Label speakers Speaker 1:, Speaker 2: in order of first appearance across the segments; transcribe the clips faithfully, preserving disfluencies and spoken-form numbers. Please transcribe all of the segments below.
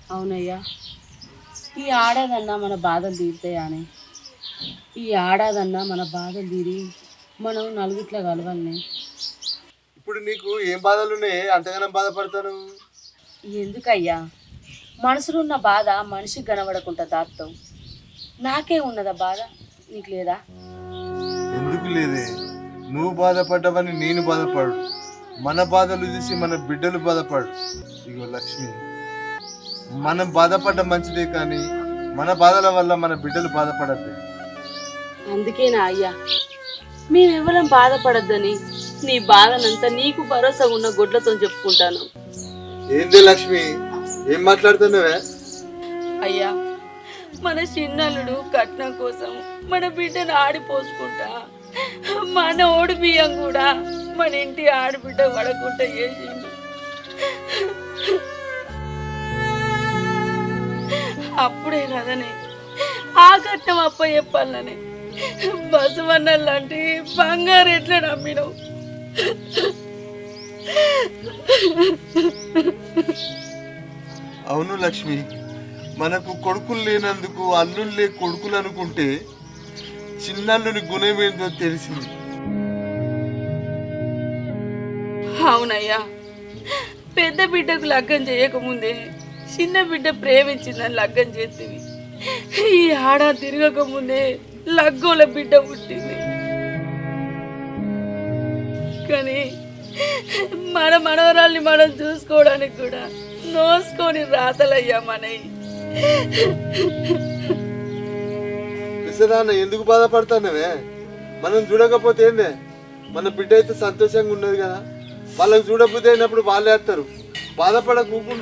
Speaker 1: అవునయ్యా, ఈ ఆడాదన్నా మన బాధలు తీరుతాయని, ఈ ఆడాదన్నా మన బాధలు తీరి మనం నలుగుట్లా కలవాలని.
Speaker 2: ఇప్పుడు నీకు ఏం బాధలు ఉన్నాయి అంతగానం బాధపడతాను?
Speaker 1: ఎందుకయ్యా, మనసులో ఉన్న బాధ మనిషికి కనబడకుండా దాస్తావు. నాకే ఉన్నదా బాధ, నీకు లేదా?
Speaker 2: ఎందుకు లేదే, నువ్వు బాధపడ్డావని నేను బాధపడు. మన బాధలు చూసి మన బిడ్డలు బాధపడు. ఇగో లక్ష్మి, మనం బాధపడ్డ మంచిదే కానీ మన బాధల వల్ల మన బిడ్డలు బాధపడద్దు.
Speaker 1: అందుకేనా అయ్యా మేమెవరం బాధపడద్దని నీ బాధనంతా నీకు భరోసా ఉన్న గొడ్లతో చెప్పుకుంటాను.
Speaker 2: ఏంది లక్ష్మి, ఏం మాట్లాడుతున్నావే?
Speaker 1: అయ్యా, మన చిన్నల్లుడు కట్నం కోసం మన బిడ్డను ఆడిపోసుకుంటా మన ఓడి బియ్యం కూడా మన ఇంటి ఆడబిడ్డ పడకుండా చేసిండు. అప్పుడే కదనే ఆ కట్నం అప్ప చెప్పాలని బసవన్న లాంటి బంగారు ఎట్లా నమ్మినవు?
Speaker 2: అవును లక్ష్మి, మనకు కొడుకులు లేనందుకు అల్లుళ్ళే కొడుకులు అనుకుంటే చిన్నల్లుని గుణం ఏంటో తెలిసింది.
Speaker 1: అవునయ్యా, పెద్ద బిడ్డకు లగ్గం చేయకముందే చిన్న బిడ్డ ప్రేమించిందని లగ్గం చేస్తుంది. ఈ ఆడ తిరగక ముందే లగ్గోల బిడ్డ పుట్టింది. కానీ మన మనవరాల్ని మనం చూసుకోవడానికి కూడా నోసుకొని రాతలయ్యా మనవి.
Speaker 2: పిసరాన్న ఎందుకు బాధపడతానవే? మనం చూడకపోతే ఏందే, మన బిడ్డ అయితే సంతోషంగా ఉన్నది కదా. వాళ్ళకి చూడబుద్ధి అయినప్పుడు వాళ్ళే వేస్తారు, బాధపడ కూకుండు.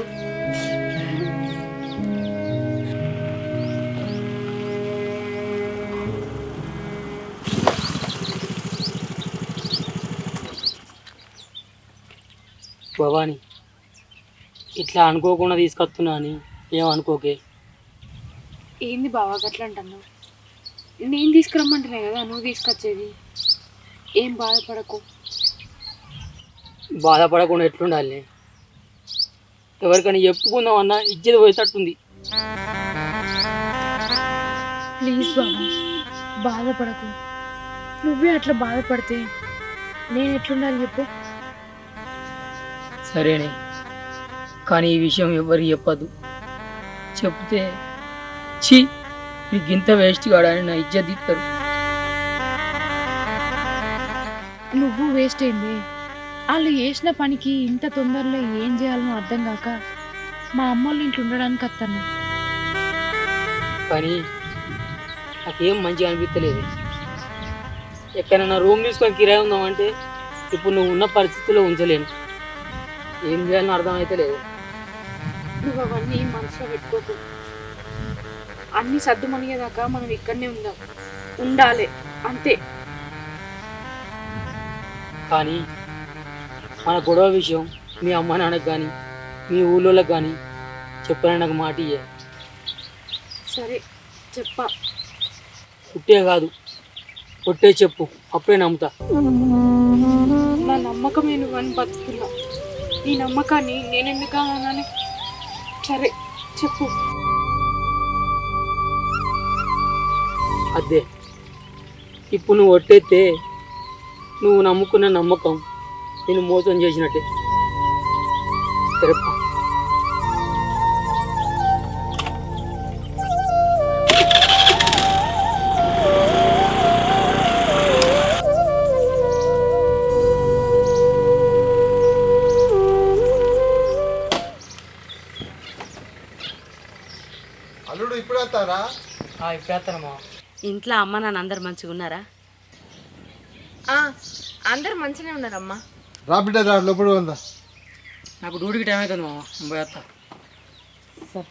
Speaker 3: భవాని, ఇట్లా అనుకోకుండా తీసుకొస్తున్నా అని ఏమనుకోకే.
Speaker 4: ఏంది బావా గట్లా అంటున్నావు? నేను తీసుకురమ్మంటున్నా కదా నువ్వు తీసుకొచ్చేది. ఏం బాధపడకు.
Speaker 3: బాధపడకుండా ఎట్లుండాలి? ఎవరికైనా చెప్పుకుందాం అన్నా ఇజ్జత పోయేటట్టుంది.
Speaker 4: ప్లీజ్ బావా, బాధపడకు. నువ్వే అట్లా బాధపడితే నేను ఎట్లుండాలి చెప్పు?
Speaker 3: సరేనే, కానీ ఈ విషయం ఎవరికి చెప్పద్దు. చెప్తే ఛీ నీకు ఇంత వేస్ట్ కాడని నా ఇజ్జత్ ఇస్తారు.
Speaker 4: నువ్వు వేస్ట్ అయింది. వాళ్ళు చేసిన పనికి ఇంత తొందరలో ఏం చేయాలనో అర్థం కాక మా అమ్మోళ్ళ ఇంట్లో ఉండడానికి వస్తాను.
Speaker 3: కానీ నాకేం మంచిగా అనిపించలేదు. ఎక్కడైనా రూమ్ తీసుకొని కిరాయి ఉందామంటే ఇప్పుడు నువ్వు ఉన్న పరిస్థితుల్లో ఉంచలేను. ఏం చేయాలని అర్థమైతే లేదు.
Speaker 4: నువ్వు అవన్నీ మనసులో పెట్టుకోకు. అన్నీ సర్దు మనిగేదాకా మనం ఇక్కడనే ఉందాం, ఉండాలి అంతే.
Speaker 3: కానీ మన గొడవ విషయం మీ అమ్మ నాన్నకు కానీ మీ ఊళ్ళోకి కానీ చెప్పాలని నాకు మాట ఇయ్యే.
Speaker 4: సరే చెప్పా.
Speaker 3: పుట్టే కాదు కొట్టే చెప్పు, అప్పుడే నమ్ముతా.
Speaker 4: నా నమ్మకమే నువ్వని బతుకున్నా. ఈ నమ్మకాన్ని నేను ఎందుకు అన్నాను? సరే చెప్పు.
Speaker 3: అదే ఇప్పుడు నువ్వు ఒట్టేస్తే నువ్వు నమ్ముకున్న నమ్మకం నేను మోసం చేసినట్టే. సరేపా.
Speaker 2: అల్లుడు ఇప్పుడు వస్తారా?
Speaker 3: ఇప్పుడు వేస్తానమ్మా.
Speaker 1: ఇంట్లో అమ్మ నాన్న అందరు మంచిగా ఉన్నారా?
Speaker 4: అందరు మంచిగానే ఉన్నారమ్మా.
Speaker 2: రా బిడ్డ, రా లోపల ఉందా.
Speaker 3: నాకు డ్యూటీకి టైం అవుతుంది మామ, పోయేస్తా.
Speaker 1: సరే.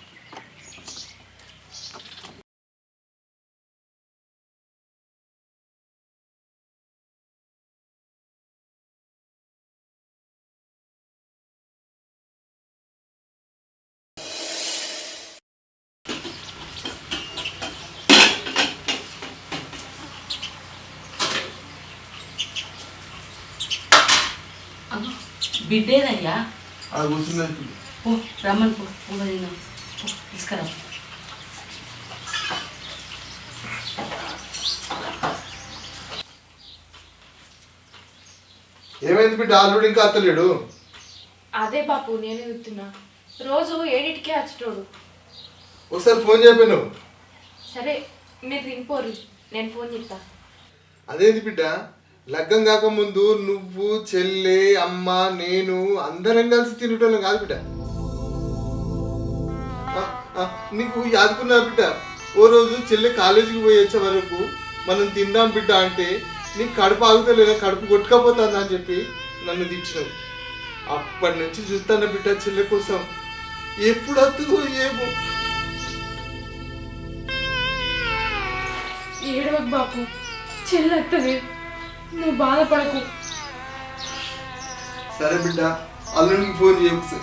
Speaker 1: బిడ్డేదయ్యా?
Speaker 2: కూర్చున్నది.
Speaker 1: ఓ రమ్మని పో, తిందాం.
Speaker 3: తీసుకురా.
Speaker 2: ఏమైంది బిడ్డ ఆల్రెడీ ఇంకా అత్తలేడు?
Speaker 4: అదే బాపు నేనే చెప్తున్నా, రోజు ఏడింటికే వచ్చేటోడు.
Speaker 2: ఒకసారి ఫోన్ చెప్పాను.
Speaker 4: సరే మీరు తినిపోరు, నేను ఫోన్ చేస్తా.
Speaker 2: అదేంటి బిడ్డ, లగ్గం కాకముందు నువ్వు చెల్లె అమ్మ నేను అందరం కలిసి తినటోళ్ళం కాదు బిడ్డ. ఆ, ఆ, నీకు యాదుకున్నా బిడ్డ, ఓ రోజు చెల్లె కాలేజీకి పోయి వచ్చే వరకు మనం తిందాం బిడ్డ అంటే నీకు కడుపు ఆగుతలేదా, కడుపు కొట్టుకపోతుందా అని చెప్పి నన్ను తెచ్చినావు. అప్పటి నుంచి చూస్తాను బిడ్డ చెల్లె కోసం, ఎప్పుడు వస్తుందో ఏమో.
Speaker 4: ఏడవకు బాపు, చెల్లెత్తది, నువ్వు బాధపడకు.
Speaker 2: సరే బిడ్డ, అల్లుడికి ఫోన్ చేయకు.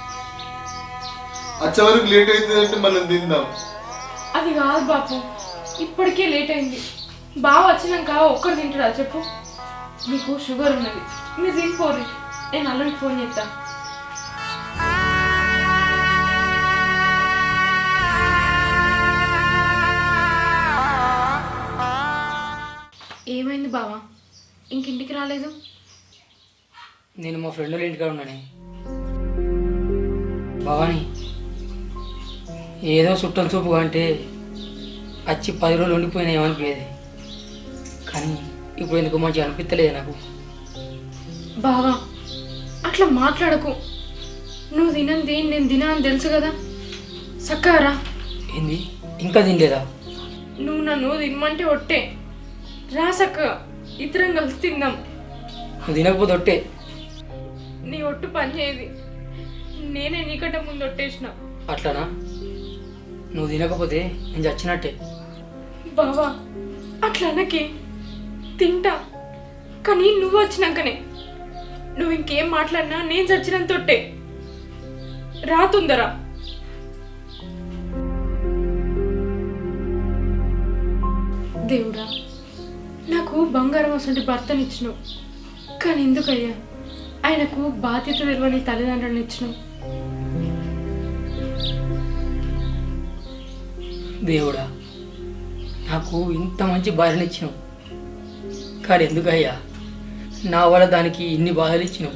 Speaker 2: వచ్చే వరకు లేట్ అవుతుందంటే మనం తిందాం.
Speaker 4: అది కాదు బాపు, ఇప్పటికే లేట్ అయింది. బావ వచ్చినాక ఒక్కరు తింటాడా చెప్పు? మీకు షుగర్ ఉన్నది, మీరు తినిపోరు, నేను అల్లుడికి ఫోన్ చేస్తా. ఏమైంది బావా, ఇంకింటికి రాలేదు?
Speaker 3: నేను మా ఫ్రెండ్ వాళ్ళ ఇంటికాడ ఉన్నానే. భవాని ఏదో చుట్టం చూపుగా అంటే వచ్చి పది రోజులు ఉండిపోయినా ఏమనిపించేది, కానీ ఇప్పుడు ఎందుకు మంచిగా అనిపించలేదు నాకు.
Speaker 4: బావా అట్లా మాట్లాడకు, నువ్వు తినంది నేను తినా అని తెలుసు కదా, సక్కారా.
Speaker 3: ఏంది ఇంకా తినలేదా?
Speaker 4: నువ్వు నన్ను తినమంటే ఒట్టే, రా సక్కగా ఇద్దరం కలిసి తిందాం.
Speaker 3: నువ్వు తినకపోతే ఒట్టే.
Speaker 4: నీ ఒట్టు పని చేయది, నేనే నీకంటే ముందు ఒట్టేసిన.
Speaker 3: అట్లానా? నువ్వు తినకపోతే నేను చచ్చినట్టే.
Speaker 4: బావా అట్లా అన్నకే, తింటా, కానీ నువ్వు వచ్చినాకనే. నువ్వు ఇంకేం మాట్లాడినా నేను చచ్చినంత ఒట్టే, రా తొందర. దేవుడా, నాకు బంగారం అసలు భర్తనిచ్చినావు, కానీ ఎందుకయ్యా ఆయనకు బాధ్యత తెలియని తల్లిదండ్రులను ఇచ్చినావు?
Speaker 3: దేవుడా, నాకు ఇంత మంచి భార్యను ఇచ్చినావు, కానీ ఎందుకయ్యా నా వల్ల దానికి ఇన్ని బాధలు ఇచ్చినావు?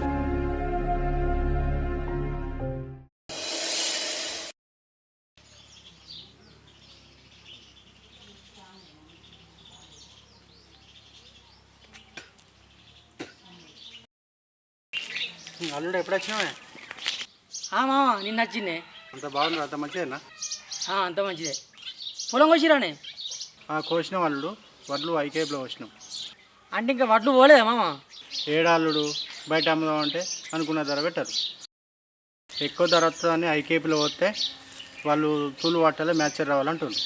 Speaker 5: అల్లుడు ఎప్పుడు వచ్చినావే?
Speaker 3: మామ నిన్న వచ్చిందే.
Speaker 5: అంత బాగుంది, అంత మంచిదేనా?
Speaker 3: అంత మంచిదే. పొలం కోసిరానే?
Speaker 5: కోసినాం అల్లుడు, వడ్లు ఐకేపులో కోసినాం.
Speaker 3: అంటే ఇంకా వడ్లు పోలేదా మామ?
Speaker 5: ఏడాల్లుడు బయట అమ్ముదాం అంటే అనుకున్న ధర పెట్టారు. ఎక్కువ ధర వస్తుందని ఐకేపీలో పోతే వాళ్ళు తూలు పట్టాలి, మ్యాచర్ రావాలంటుంది.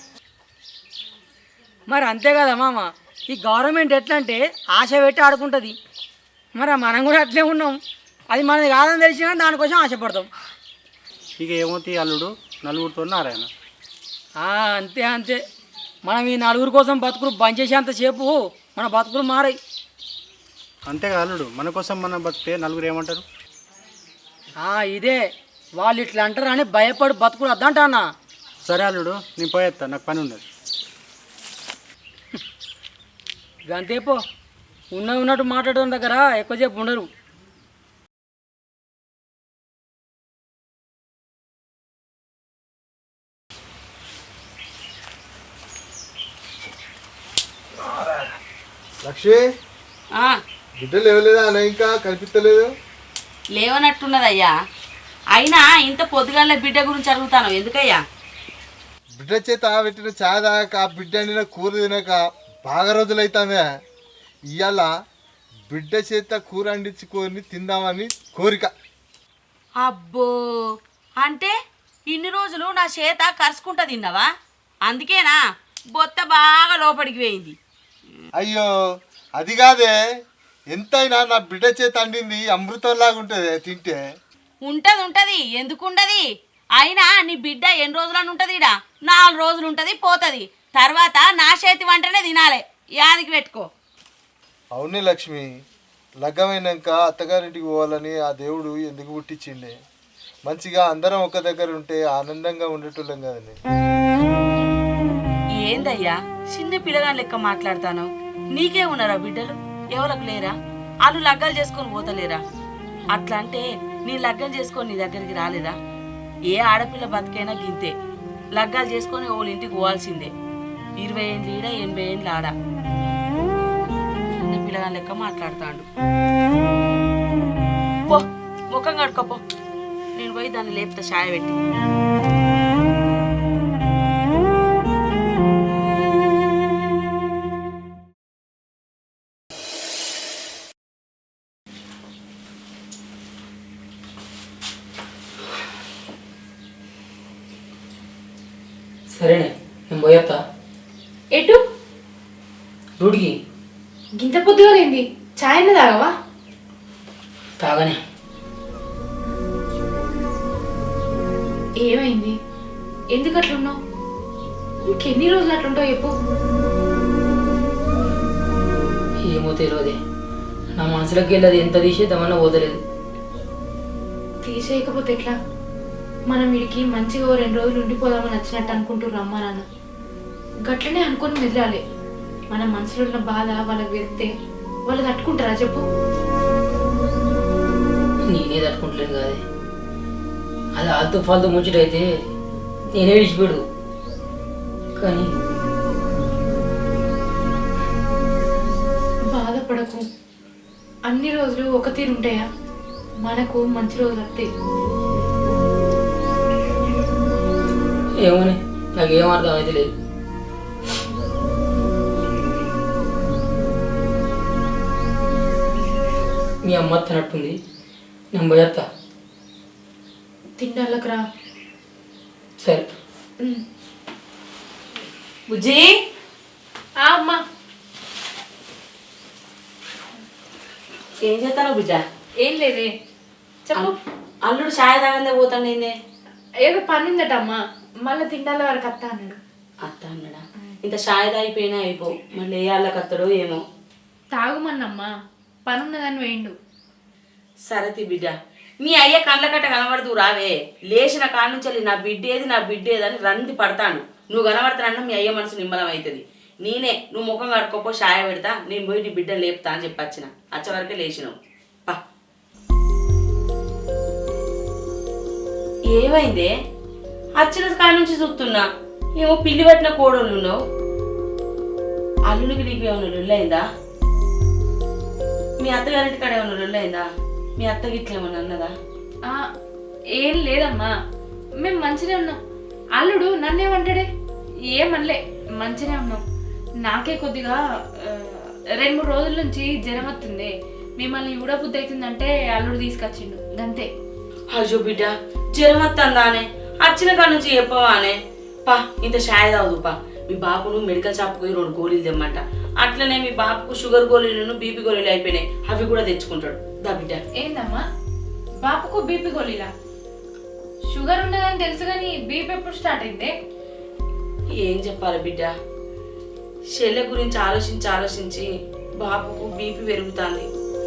Speaker 3: మరి అంతే కదా మామ, ఈ గవర్నమెంట్ ఎట్లా అంటే ఆశ పెట్టి ఆడుకుంటుంది. మరి మనం కూడా అట్లే ఉన్నాం, అది మనది కాదని తెలిసినా దానికోసం ఆశపడతాం.
Speaker 5: ఇక ఏమవుతాయి అల్లుడు, నలుగురితో నారాయణ.
Speaker 3: అంతే అంతే, మనం ఈ నలుగురు కోసం బతుకులు బంద్ చేసేంతసేపు మన బతుకులు మారాయి.
Speaker 5: అంతేగా అల్లుడు, మన కోసం మనం బతికితే నలుగురు ఏమంటారు?
Speaker 3: ఇదే వాళ్ళు ఇట్లా అంటారు అని భయపడి బతుకులు వద్దంటా అన్న.
Speaker 5: సరే అల్లుడు, నేను పోయేస్తా, నాకు పని ఉన్నది.
Speaker 3: గంతేపో, ఉన్న ఉన్నట్టు మాట్లాడడం దగ్గర ఎక్కువసేపు ఉండరు.
Speaker 2: లక్ష్మి, బిడ్డలు లేవలేదా అన్న? ఇంకా కనిపించలేదు.
Speaker 1: లేవనట్టున్నదయ్యా, అయినా ఇంత పొద్దుగాల బిడ్డ గురించి అడుగుతాను ఎందుకయ్యా?
Speaker 2: బిడ్డ చేత పెట్టిన చాయ్ తాగాక, బిడ్డ అండిన కూర తినక బాగా రోజులైతుందే. ఇవాళ బిడ్డ చేత కూర అండించుకొని తిందామని కోరిక.
Speaker 1: అబ్బో, అంటే ఇన్ని రోజులు నా చేత కరుచుకుంటా తిన్నావా? అందుకేనా బొత్త బాగా లోపలికి పోయింది?
Speaker 2: అయ్యో అది కాదే, ఎంతైనా నా బిడ్డ చేత అండింది అమృతంలాగా ఉంటుంది తింటే.
Speaker 1: ఉంటది ఉంటది, ఎందుకు ఉండది? అయినా నీ బిడ్డ ఎన్ని రోజులని ఉంటుంది? ఇడా నాలుగు రోజులు ఉంటుంది, పోతుంది. తర్వాత నా చేతి వంటనే తినాలి, యాదికి పెట్టుకో.
Speaker 2: అవునే లక్ష్మి, లగ్గమైనాక అత్తగారింటికి పోవాలని ఆ దేవుడు ఎందుకు పుట్టించిండే? మంచిగా అందరం ఒక దగ్గర ఉంటే ఆనందంగా ఉండేటోళ్ళం కదండి.
Speaker 1: ఏందయ్యా చిన్న పిల్లగాని లెక్క మాట్లాడతాను? నీకే ఉన్నారా బిడ్డలు? ఎవరికి లేరా? వాళ్ళు లగ్గాలు చేసుకొని పోతలేరా? అట్లా అంటే నీ లగ్గం చేసుకొని నీ దగ్గరికి రాలేదా? ఏ ఆడపిల్ల బతికైనా గింతే, లగ్గాలు చేసుకొని వాళ్ళ ఇంటికి పోవాల్సిందే. ఇరవై ఏళ్ళు ఈడ, ఎనభై ఏళ్ళు ఆడ. చిన్న పిల్లగాని లెక్క మాట్లాడతాడు. పో ముఖం కడుకోపో, నేను పోయి దాన్ని లేపుతా చాయ పెట్టి.
Speaker 3: సరేనే, నేను పోయేస్తా.
Speaker 4: ఎటు?
Speaker 3: డ్యూటీకి.
Speaker 4: గింత పొద్దుగా లేంది, ఛాయ్ అన్న తాగవా?
Speaker 3: తాగనే.
Speaker 4: ఏమైంది? ఎందుకు అట్లున్నావు? ఇంకెన్ని రోజులు అట్లుంటావు చెప్పు.
Speaker 3: ఏమో తెలియదే, నా మనసులోకి వెళ్ళదు. ఎంత తీసేద్దామన్నా పోతలేదు.
Speaker 4: తీసేయకపోతే ఎట్లా? మనం వీడికి మంచిగా ఓ రెండు రోజులు ఉండిపోదామని వచ్చినట్టు అనుకుంటుర్రు అమ్మా నాన్న. గట్లనే అనుకుని మెదలాలి. మన మనసులో ఉన్న బాధ వాళ్ళకి వెళ్తే వాళ్ళు తట్టుకుంటారా చెప్పు?
Speaker 3: నేనే తట్టుకుంటలేను కాదే. అది ఆల్తో ఫాల్తో ముచ్చటైతే నేనే విడిచిపెడు. కానీ
Speaker 4: బాధపడకు. అన్ని రోజులు ఒక తీరు ఉంటాయా? మనకు మంచి రోజులు వస్తాయి.
Speaker 3: ఏమోనే, నాకేం అర్థం అయితే లేదు. మీ అమ్మ తినట్టుంది, నేను పోయేస్తా.
Speaker 4: తిండాలకు రా.
Speaker 3: సరే.
Speaker 1: బుజ్జి,
Speaker 4: ఆ అమ్మా.
Speaker 1: ఏం చేస్తాను బిడ్డ?
Speaker 4: ఏం లేదే, చెప్పు.
Speaker 1: అల్లుడు ఛాయ్ తాగందే పోతాను. ఏందే
Speaker 4: ఏదో పని ఉందట అమ్మా, మళ్ళీ తిండాల వరకు అత్త అన్నాడు.
Speaker 1: అత్త అన్నాడా? ఇంత ఛాయ్ తాగిపోయినా అయిపో, మళ్ళీ ఏ వాళ్ళకి అత్తడో ఏమో.
Speaker 4: తాగుమన్నమ్మా, పని ఉన్నదని వేయండు.
Speaker 1: సరతి బిడ్డ, మీ అయ్య కళ్ళ కట్ట కనబడుతూ రావే. లేచిన కాడ నుంచి నా బిడ్డేది నా బిడ్డేది అని రంది పడతాను. నువ్వు కనబడతానన్నా మీ అయ్య మనసు నిమ్మలం అవుతుంది. నేనే నువ్వు ముఖం కడుక్కోపో, ఛాయ పెడతా, నేను పోయి నీ బిడ్డను లేపుతా అని చెప్పి వచ్చిన. వచ్చే వరకే లేచినావు. పా. ఏమైందే? వచ్చిన కాడ నుంచి చూస్తున్నా ఏమో పిల్లి పట్టిన కోడోళ్ళు ఉన్నావు. అల్లునికి నీకు ఏమైనా లొల్లైందా? మీ అత్తగారింటి కాడ ఏమైనా లొల్లైందా? మీ అత్తకి ఇట్లా ఏమన్నా అన్నదా?
Speaker 4: ఏం లేదమ్మా, మేము మంచిగా ఉన్నాం. అల్లుడు నన్నేమంటాడే? ఏమనలే, మంచిగా ఉన్నాం. నాకే కొద్దిగా రెండు మూడు రోజుల నుంచి జ్వరం వస్తుంది. మిమ్మల్ని చూడబుద్ధి అవుతుందంటే అల్లుడు తీసుకొచ్చిండు గంతే.
Speaker 1: అయ్యో బిడ్డ, జ్వరం వస్తుందానే? వచ్చిన కాడ నుంచి చెప్పవానే? పా, ఇంత ఛాయ్ తాగుదు పా. మీ బాబును మెడికల్ షాప్కి పోయి రెండు గోళీలు తెమ్మంట. అట్లనే మీ బాబుకు షుగర్ గోళీలను బీపీ గోళీలు అయిపోయినాయి, అవి కూడా తెచ్చుకుంటాడు. దా బిడ్డ.
Speaker 4: ఏందమ్మా బాపుకు బీపీ గోళీలా? షుగర్ ఉన్నదని తెలుసు కానీ బీపీ ఎప్పుడు స్టార్ట్ అయింది?
Speaker 1: ఏం చెప్పాలి బిడ్డ, చెల్లె గురించి ఆలోచించి ఆలోచించి బాబుకు బీపీ పెరుగుతుంది.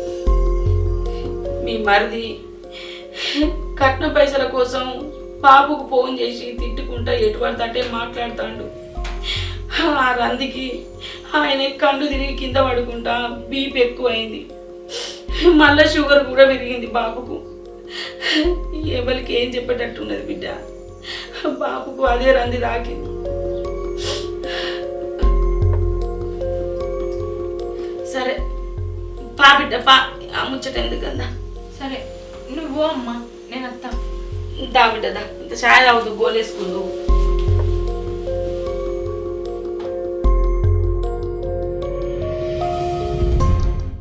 Speaker 1: మీ మరిది కట్న పైసల కోసం బాబుకు ఫోన్ చేసి తిట్టుకుంటా ఎటువంటి అంటే మాట్లాడుతాడు. ఆ రందికి ఆయన కళ్ళు తిరిగి కింద పడుకుంటా బీపీ ఎక్కువైంది. మళ్ళా షుగర్ కూడా పెరిగింది బాబుకు. ఎవరికి ఏం చెప్పేటట్టున్నది బిడ్డ, బాబుకు అదే రంది తాకింది. సరే పా బిడ్డ పా, ఆ ముచ్చట ఎందుకన్నా.
Speaker 4: సరే నువ్వు అమ్మా, నేను వస్తా.
Speaker 1: దా బిడ్డ దా, ఇంత ఛాయ్ తాగుతూ గోలేసుకుందు.